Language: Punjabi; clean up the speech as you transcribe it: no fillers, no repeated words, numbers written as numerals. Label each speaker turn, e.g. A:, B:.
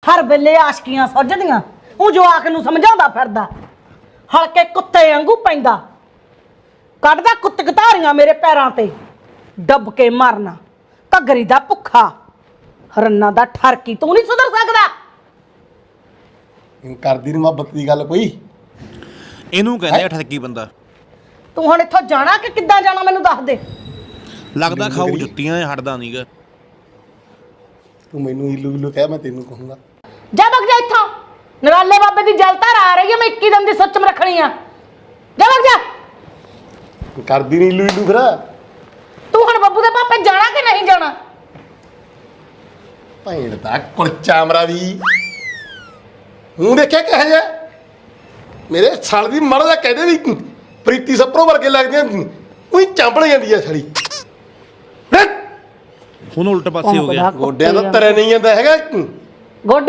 A: ਹਰ ਵੇਲੇ ਆਸ਼ਕੀਆਂ ਸੁੱਝਦੀਆਂ ਉਹ ਜਵਾਕ ਨੂੰ ਸਮਝਾਉਂਦਾ ਫਿਰਦਾ ਹਲਕੇ ਕੁੱਤੇ ਵਾਂਗੂ ਪੈਂਦਾ ਕੱਢਦਾ ਕੁੱਤ ਘਤਾਰੀਆਂ ਮੇਰੇ ਪੈਰਾਂ ਤੇ ਡੱਬ ਕੇ ਮਰਨਾ ਘੱਗਰੀ ਦਾ ਭੁੱਖਾ ਰੰਨਾ ਦਾ ਠਰਕੀ ਤੂੰ ਨਹੀਂ ਸੁਧਰ ਸਕਦਾ
B: ਕਰਦੀ ਨੀ ਮੁਹੱਬਤ ਦੀ ਗੱਲ ਕੋਈ
C: ਇਹਨੂੰ ਕਹਿੰਦੇ ਆ ਠੱਗੀ ਬੰਦਾ।
A: ਤੂੰ ਹੁਣ ਇੱਥੋਂ ਜਾਣਾ ਕਿ ਕਿੱਦਾਂ ਜਾਣਾ ਮੈਨੂੰ ਦੱਸ ਦੇ।
C: ਲੱਗਦਾ ਖਾਊ ਜੁੱਤੀਆਂ ਹਟਦਾ ਨਹੀਂਗਾ।
B: ਤੂੰ ਮੈਨੂੰ ਇਲੂ ਇਲੂ ਕਹਿ ਮੈਂ ਤੈਨੂੰ ਕਹੂੰਗਾ
A: ਜਾ ਵਗ ਜਾ ਇੱਥੋਂ ਨਰਾਲੇ ਬਾਬੇ ਦੀ ਜਲਤਾਰ ਆ ਰਹੀ ਹੈ ਮੈਂ 21 ਦਿਨ ਦੀ ਸੁੱਚ ਮ ਰੱਖਣੀ ਆ ਜਾ ਵਗ ਜਾ।
B: ਕਰਦੀ ਨੀ ਇਲੂ ਇਲੂ ਫਿਰ
A: ਤੂੰ ਹੁਣ ਬੱਬੂ ਦੇ ਪਾਪੇ ਜਾਣਾ ਕਿ ਨਹੀਂ ਜਾਣਾ।
B: ਭੈਣ ਦਾ ਕੁਲਚਾ ਮਰਾ ਵੀ ਹੂੰ ਦੇਖਿਆ ਕਿਹੋ ਜਿਹਾ ਮੇਰੇ ਸਾਲ ਦੀ ਮੜ ਦਾ ਕਹਿੰਦੇ ਵੀ ਪ੍ਰੀਤੀ ਸਪਰੋ ਵਰਗੇ ਲੱਗਦੀਆਂ ਉਹੀ ਚਾਂਪੜ ਜਾਂਦੀ ਆ ਛੜੀ
C: ਹੁਣ ਉਲਟ ਪਾਸੇ ਹੋ ਗਿਆ।
B: ਗੋਡਿਆਂ ਦਾ ਤਰੇ ਨਹੀਂ ਜਾਂਦਾ ਹੈਗਾ
A: ਗੋਡੇ